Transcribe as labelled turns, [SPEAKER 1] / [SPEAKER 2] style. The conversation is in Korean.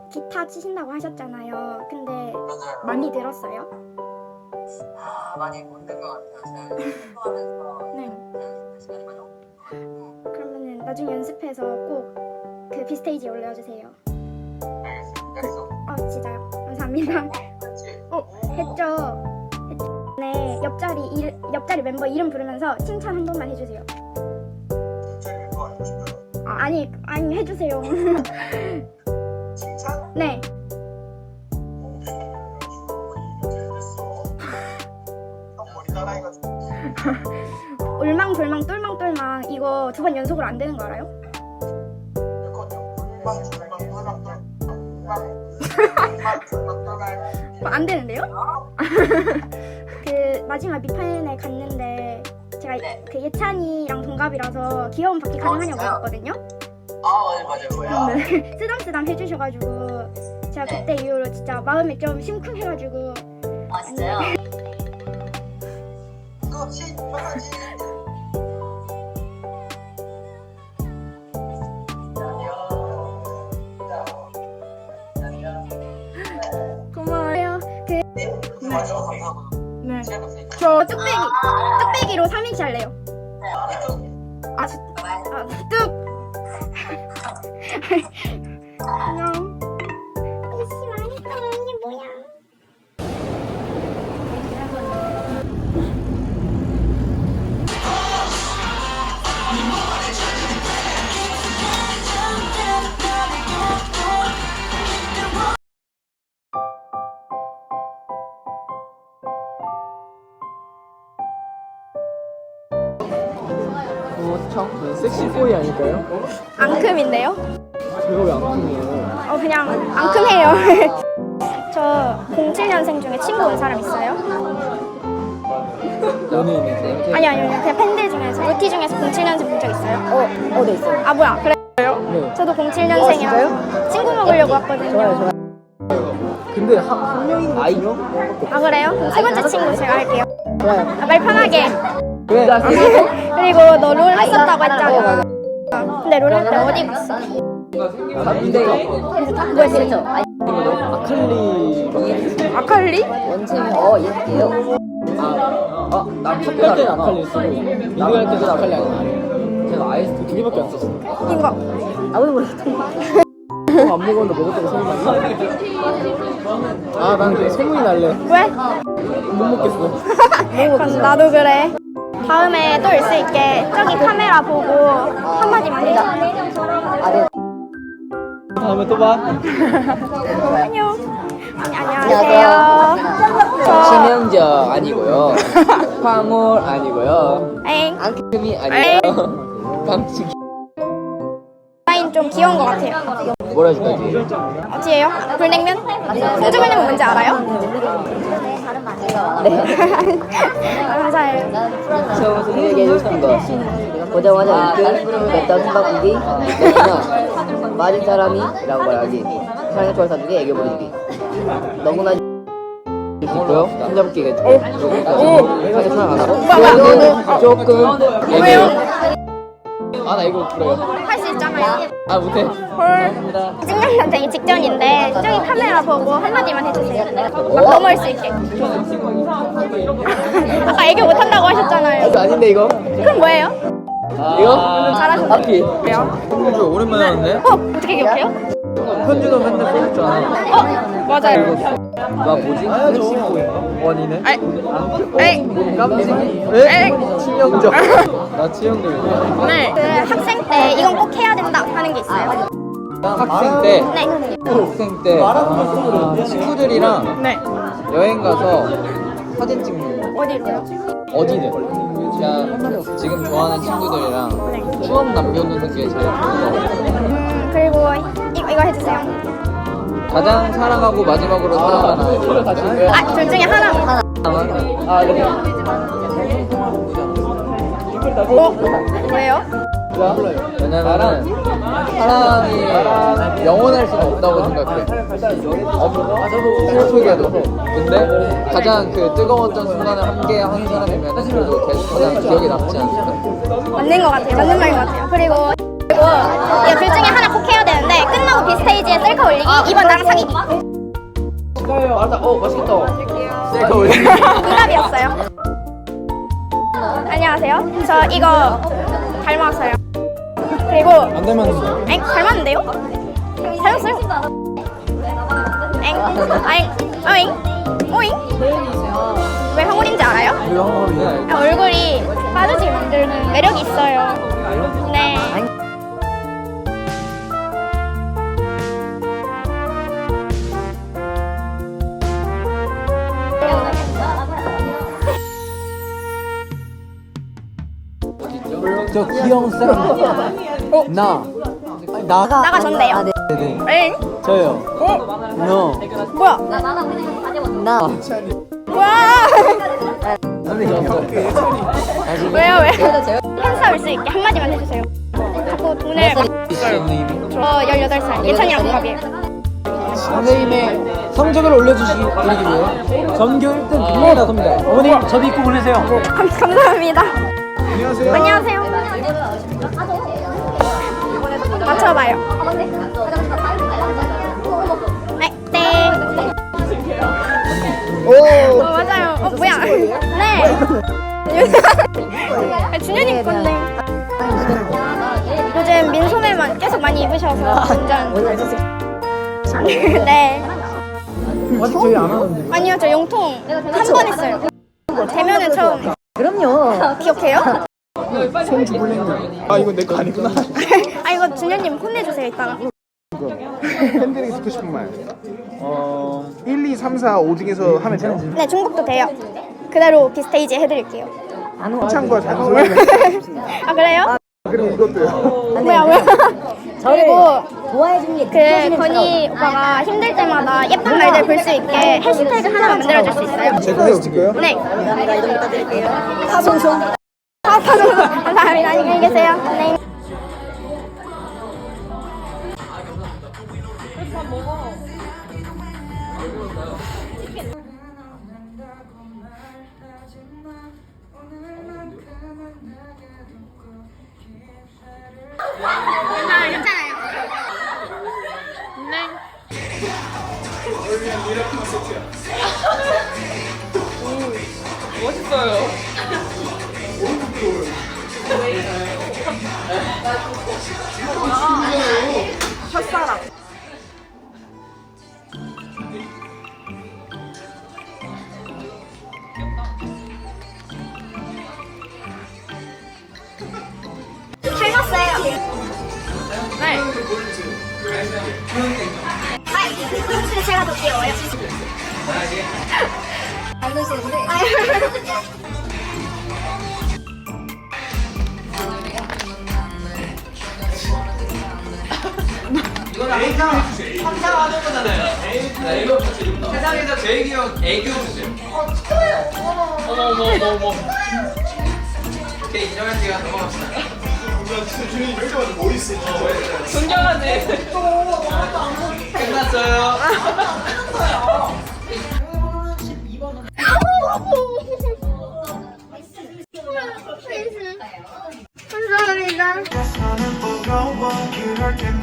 [SPEAKER 1] 기타 치신다고 하셨잖아요. 근데
[SPEAKER 2] 맞아요.
[SPEAKER 1] 많이 들었어요?
[SPEAKER 2] 많이 못 든 것 같아요. 제가 공부하면서
[SPEAKER 1] 네.
[SPEAKER 2] 시간이 많이 없고.
[SPEAKER 1] 그러면은 나중에 연습해서 꼭 그 비스테이지에 올려주세요.
[SPEAKER 2] 알겠습니다. 약속.
[SPEAKER 1] 진짜요? 감사합니다.
[SPEAKER 2] 같이.
[SPEAKER 1] 했죠? 네, 옆자리 멤버 이름 부르면서 칭찬 한 번만 해주세요.
[SPEAKER 2] 갑자기 멤버 알고 싶어요.
[SPEAKER 1] 아니 해주세요.
[SPEAKER 2] 칭찬?
[SPEAKER 1] 네.
[SPEAKER 2] 형 머리 따라해가지고.
[SPEAKER 1] 울망졸망 똘망똘망 이거 2번 연속으로 안 되는 거 알아요? 안 되는데요? 그 마지막 미판에 갔는데 제가
[SPEAKER 2] 네.
[SPEAKER 1] 그 예찬이랑 동갑이라서 귀여운 바퀴 가능하냐고
[SPEAKER 2] 진짜요?
[SPEAKER 1] 물었거든요.
[SPEAKER 2] 맞아요.
[SPEAKER 1] 근데 쓰담쓰담 해주셔가지고 제가
[SPEAKER 2] 네.
[SPEAKER 1] 그때 이후로 진짜 마음이 좀 심쿵해가지고
[SPEAKER 2] 진짜요? 그렇지, 편하지.
[SPEAKER 1] 고마워요.
[SPEAKER 2] 와주셔서 감사하고요.
[SPEAKER 1] 네.
[SPEAKER 2] 시간 없으니까.
[SPEAKER 1] 저 뚝배기로 3인치 할래요. 뚝. 안녕. 이씨 망했다. 이게 뭐야?
[SPEAKER 3] 참 섹시보이 아닐까요?
[SPEAKER 1] 앙큼인데요?
[SPEAKER 3] 제가 왜 앙큼이에요?
[SPEAKER 1] 그냥 앙큼해요. 저 07년생 중에 친구 온 사람 있어요?
[SPEAKER 3] 연예인인데요?
[SPEAKER 1] 아니요. 그냥 팬들 중에서 루티 중에서 07년생 본 적 있어요?
[SPEAKER 3] 네 있어요.
[SPEAKER 1] 아 뭐야 그래요?
[SPEAKER 3] 네.
[SPEAKER 1] 저도 07년생이라서 친구 먹으려고 왔거든요.
[SPEAKER 3] 좋아요. 근데 한 명인가 아이요?
[SPEAKER 1] 아 그래요? 그럼 세 번째 친구 제가 할게요.
[SPEAKER 3] 좋아요.
[SPEAKER 1] 말 편하게.
[SPEAKER 3] 왜?
[SPEAKER 1] 그리고 너 롤 했었다고 했잖아. 근데 롤 할 때 어디 갔어?
[SPEAKER 3] 근데
[SPEAKER 1] 뭐 했어?
[SPEAKER 3] 아칼리
[SPEAKER 1] 아칼리?
[SPEAKER 4] 원팀이 얘기해요?
[SPEAKER 3] 난 탑할 때는 아칼리 쓰고 리그 할 때는 아칼리 아니에요. 제가 아이스 두 개밖에 안 썼어요.
[SPEAKER 1] 이거.
[SPEAKER 4] 아무도 모르겠어.
[SPEAKER 3] 안 먹었는데 먹었다고 소문이 났어. 난 소문이 날래.
[SPEAKER 1] 왜?
[SPEAKER 3] 못 먹겠어.
[SPEAKER 1] 그럼 나도 그래. 다음에 또 올 수 있게 저기 카메라 보고 한마디만 해줘.
[SPEAKER 4] 네.
[SPEAKER 3] 다음에 또 봐.
[SPEAKER 1] 안녕. 안녕하세요. 저
[SPEAKER 4] 심영정 아니고요. 황홀 아니고요.
[SPEAKER 1] 엥.
[SPEAKER 4] 앙큼이 아니고요. 방식
[SPEAKER 1] 라인 좀 귀여운 것 같아요.
[SPEAKER 4] 뭐라 해줄까지?
[SPEAKER 1] 어디예요? 불냉면? 순두불냉면 뭔지 알아요?
[SPEAKER 4] 네.
[SPEAKER 1] 감사해요.
[SPEAKER 4] 처음부터 얘기해주고 싶은 거 보자마자 일등 맵다 숨바꾸기 너무나 맞은 사람이 라고 말하기 사랑의 초월 사주기 애교 부리기 너무나 있고요 혼잡기가 사실 사랑 안 하고 조금
[SPEAKER 1] 왜요?
[SPEAKER 3] 나 이거 불러요.
[SPEAKER 1] 할 수 있잖아요.
[SPEAKER 3] 못해.
[SPEAKER 1] 헐. 찍는 되기 직전인데 저기 카메라 보고 한마디만 해주세요. 막 넘어올 수 있게. 아까 애교 못한다고 하셨잖아요.
[SPEAKER 4] 아닌데 이거?
[SPEAKER 1] 그럼 뭐예요?
[SPEAKER 4] 이거?
[SPEAKER 1] 잘하셨어요.
[SPEAKER 4] 앞이
[SPEAKER 1] 왜요?
[SPEAKER 3] 현주 오랜만에 하는데?
[SPEAKER 1] 어떻게 기억해요?
[SPEAKER 3] 현주도 맨날 써줬잖아.
[SPEAKER 1] 맞아요.
[SPEAKER 4] 나 뭐지?
[SPEAKER 3] 원이네.
[SPEAKER 1] 에이.
[SPEAKER 3] 깜찍이. 치명적. 나 치명적이야.
[SPEAKER 1] 네. 그 학생 때 이건 꼭 해야 된다 하는 게 있어요.
[SPEAKER 3] 학생 때.
[SPEAKER 1] 네.
[SPEAKER 3] 학생 때 친구들이랑
[SPEAKER 1] 네.
[SPEAKER 3] 여행 가서 사진 찍는 거.
[SPEAKER 1] 어디로요?
[SPEAKER 3] 어디든. 그냥 지금 좋아하는 친구들이랑 추억 남겨두는 게 제일 좋은 거 같아요.
[SPEAKER 1] 그리고 이거 해주세요.
[SPEAKER 3] 가장 사랑하고 마지막으로 사랑하는
[SPEAKER 1] 둘 중에 하나. 왜요?
[SPEAKER 3] 왜냐면은 사랑이 영원할 수는 없다고 생각해. 슬프게도. 근데 가장 그 뜨거웠던 순간을 함께 한 사람이면 그래도 계속 가장 기억에 남지 않을까?
[SPEAKER 1] 맞는 것 같아요. 맞는 말인 것 같아요. 그리고 이거 둘 중에 하나 꼭 해야 되는데 끝나고 비스테이지에 셀카 올리기, 2번 나랑 사귀기.
[SPEAKER 3] 맞다. 맛있겠다. 셀카 올리기.
[SPEAKER 1] 정답이었어요. 안녕하세요. 저 이거 닮았어요. 그리고
[SPEAKER 3] 안 닮았는데.
[SPEAKER 1] 엥? 닮았는데요? 닮았어요? 엥? 아잉? 어잉? 오잉? 왜 황홀인지 알아요? 아, 얼굴이 빠지게 만드는 매력이 있어요. 네.
[SPEAKER 3] 저 귀여운 사람. 나. 아니,
[SPEAKER 1] 나가 전데요.
[SPEAKER 3] 네네.
[SPEAKER 1] 엥?
[SPEAKER 3] 저요. 너.
[SPEAKER 1] 뭐야?
[SPEAKER 4] 나.
[SPEAKER 1] 뭐야?
[SPEAKER 3] 선생님.
[SPEAKER 1] 왜요? 왜? 팬싸 올 수 있게 한마디만 해주세요. 자꾸 돈을
[SPEAKER 3] 선생님.
[SPEAKER 1] 저 18살 예찬이랑 동갑이에요.
[SPEAKER 3] 선생님의 성적을 올려주시기 위해 전교 1등 국내에 나섭니다. 어머님 저도 입고 보내세요.
[SPEAKER 1] 감사합니다. 안녕하세요. 맞춰봐요. 네. 맞아요. 뭐야? 네. 준현이 건데. 요즘 민소매만 계속 많이 입으셔서 완전. 네.
[SPEAKER 3] 아직 저희 안 하는데.
[SPEAKER 1] 아니요, 저 용통 한 번 했어요. 대면은 처음.
[SPEAKER 4] 그럼요.
[SPEAKER 1] 기억해요?
[SPEAKER 5] 아 이거 내 거 아니구나.
[SPEAKER 1] 아 이거 준현님 혼내주세요 이따가.
[SPEAKER 5] 팬들에게 듣고 싶은 말. 1, 2, 3, 4, 5 중에서 하면 돼요?
[SPEAKER 1] 네, 중국도 돼요. 그대로 비스테이지 해드릴게요.
[SPEAKER 5] 한창과 잔소리.
[SPEAKER 1] 아 그래요?
[SPEAKER 5] 그럼 이것도요.
[SPEAKER 1] 뭐야 뭐야. 그리고
[SPEAKER 4] 좋아해주는
[SPEAKER 1] 그 건희 오빠가 힘들 때마다 예쁜 말들 볼 수 있게 해시태그 하나만 만들어줄 수 있어요?
[SPEAKER 5] 제가 해줄게요.
[SPEAKER 1] 네.
[SPEAKER 4] 내가 이름 부탁드릴게요.
[SPEAKER 1] 파송송. 감사합니다. 안녕히 계세요. 네. 닮았어요. 네. 근데 제가 더 귀여워요. 안 되시는데.
[SPEAKER 3] 상상하는 거잖아요. 이거 세상에서 제일 귀여운 애교 주세요. 어머. 오케이 인정할게요. 넘어갑시다. 존경하네. 끝났어요.
[SPEAKER 1] 감사합니다.